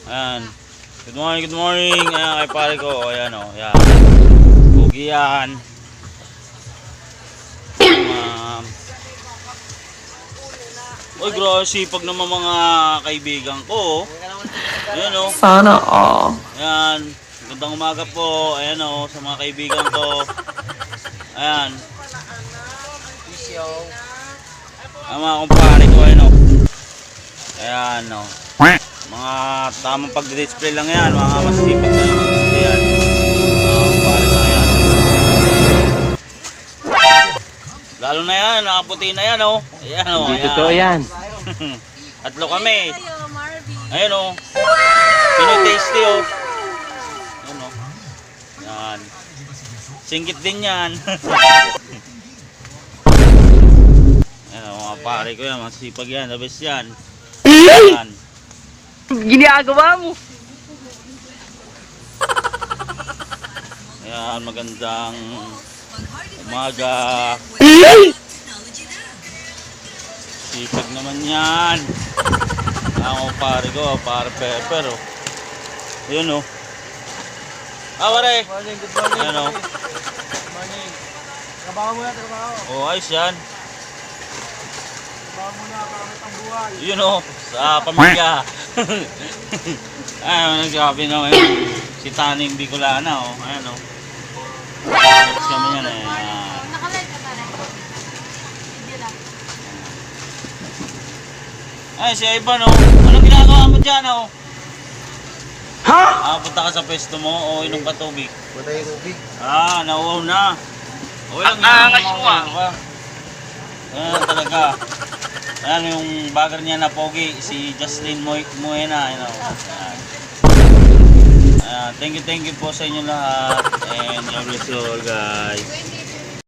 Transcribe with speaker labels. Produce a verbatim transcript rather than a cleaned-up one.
Speaker 1: Ayan. Good morning, good morning. Ayan kay pare ko. Ayan o. Ayan. Pugi yan. Um, Uy, grabe sipag naman mga kaibigan ko. Ayan o.
Speaker 2: Sana all.
Speaker 1: Ayan. Gandang umaga po. Ayan o. Sa mga kaibigan ko. Ayan. Ang mga kumpare ko. Ayan o. Ayan o. Mga tamang pagdi-display lang yan. Mga masipag na display yan. Mga kumpare ko yan. Lalo na yan. Nakaputi na yan o. Ayan o.
Speaker 3: Hindi totoo yan.
Speaker 1: Tatlo kami. Ayan o. Pinoy tasty o. Ayan o. Yan. Singkit din yan. Ayan o mga pare ko yan. Masipag yan. The best yan. Ayan.
Speaker 2: Ginagawa mo.
Speaker 1: Ayan. Magandang umaga. Sipag naman yan. Ako pare ko. Pare pepper o. Ayan o. Ah, pare.
Speaker 4: Good morning, good morning.
Speaker 1: Ayan o.
Speaker 4: Good morning. Trabaho muna, trabaho.
Speaker 1: O, ayos yan.
Speaker 4: Trabaho muna, pangit ang buhay.
Speaker 1: Yun o. Sa pamilya. Ayan, nagsabi naman yun. Si Taning Bicolana o. Ayan o. Ayos kami yan eh. Ayan.
Speaker 5: Nakalive ka na rin. Video lang.
Speaker 1: Ay, si Ivan o. Anong ginagawa mo dyan o?
Speaker 3: Ha?
Speaker 1: Ah, punta ka sa pwesto mo o inom ka tubig?
Speaker 4: Punta yung tubig.
Speaker 1: Ah, nauuhaw na. Okay lang
Speaker 3: Ah,
Speaker 1: yan.
Speaker 3: angas mo, ah.
Speaker 1: Ano ka? Ayan talaga. Ayan yung bagger niya na pogi, si Justin Moy Moena. Ayan o. Ayan. Ayan, thank you, thank you po sa inyo lahat. And God bless you all guys.